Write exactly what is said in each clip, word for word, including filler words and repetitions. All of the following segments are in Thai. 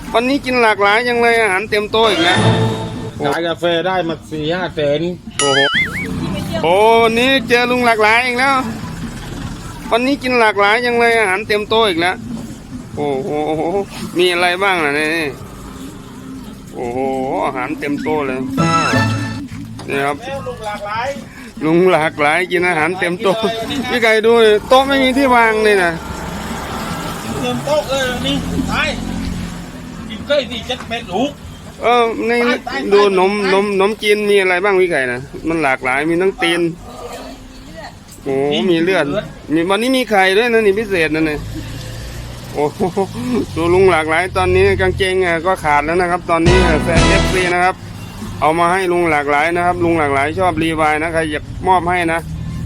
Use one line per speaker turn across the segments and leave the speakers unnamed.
วันนี้กินหลากหลายยังเลยอาหารเต็มโต๊ะอีกแล้ว
ขายกาแฟได้มาสี่ห้าแสน
โอ้โหโอ้วันนี้เจอลุงหลากหลายอีกแล้ววันนี้กินหลากหลายยังเลยอาหารเต็มโต๊ะอีกแล้วโอ้โหมีอะไรบ้างล่ะนี่โอ้โหอาหารเต็มโต๊ะเลยนี่ครับ
ลุงหลากหลาย
ลุงหลากหลายกินอาหารเต็มโต๊ะพี่ไก่ดูโต๊ะไม่มีที่วางเลยนะ
เต็มโต๊ะเลยนี่ไปกินเก้ยที่เจ็ดเม็ดลูก
เออในดูนมนมนมจีนมีอะไรบ้างพี่ไก่นะมันหลากหลายมีทั้งตีนโอ้มีเลือดมีวันนี้มีไข่ด้วยนะนี่พิเศษนะเนี่ยโอ้ดูลุงหลากหลายตอนนี้กางเกงก็ขาดแล้วนะครับตอนนี้แฟนเอฟซีนะครับเอามาให้ลุงหลากหลายนะครับลุงหลากหลายชอบรีวายนะใครอยากมอบให้นะ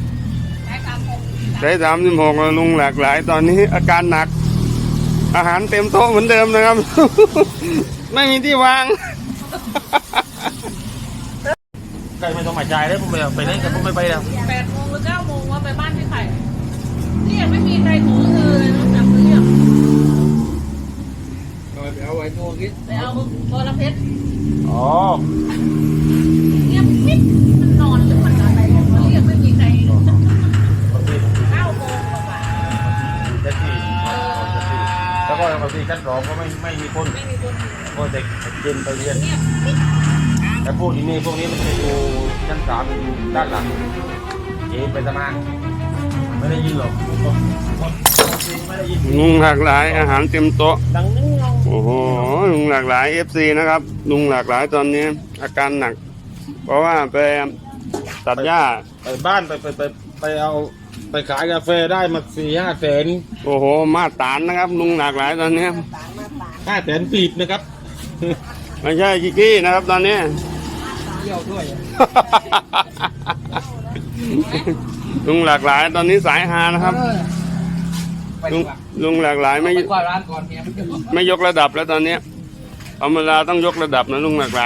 ได้สามสิบหกลุงหลากหลายตอนนี้อาการหนักอาหารเต็มโต๊ะเหมือนเดิมนะครับไม่มีที่วาง
ใครไม่ต้องมาจ่ายเลยผมไปไปไหนกันผมไม่ไปแล้ว
แปดโมงหรือเก้าโมงว่าไปบ้านพี่ไข่นี่ยังไม่มีใครโทรเลยนอกจากเรียก
ไปเอาไว้ตัวกี้
ไปเอาโทรเพชร
อ๋อ
เงียบมิดมันนอนหรือมันอะไรเรียกไม่มีใครเก้าโมงกว่า
เจ็ดสี่แล้วก็บางทีชั้นสองก็ไม่ไม่มีคน
ไม่มีคน
ก็เด็กเย็นไปเรียนแต่พวกนี้นี่พวกนี้มันจะอยู่ชั้นสามอยู่ด้านหลังเอไปทำงานไม่ได้ยินหรอกไม่ได้ยิน
ลุงหลากหลายอาหารเต็มโต๊ะ
ดังนึง
โอ้โหลุงหลากหลายเอฟซีนะครับลุงหลากหลายตอนนี้อาการหนักเพราะว่าไปตัดหญ้า
ไปบ้านไปไปไปไปเอาไปขายกาแฟได้มาสี่ห้าแสน
โอ้โหมาตานนะครับลุงหลากหลายตอนนี้
ห้าแสนปีบนะครับ
ไม่ใช่กิกกี้นะครับตอนนี้
เที่ยวด้วย
ลุงหลากหลายตอนนี้สายฮานะครับลุงลุงหลากหลายไม่ไม่ยกระดับแล้วตอนนี้ธรรมดาต้องยกระดับนะลุงหลากหลาย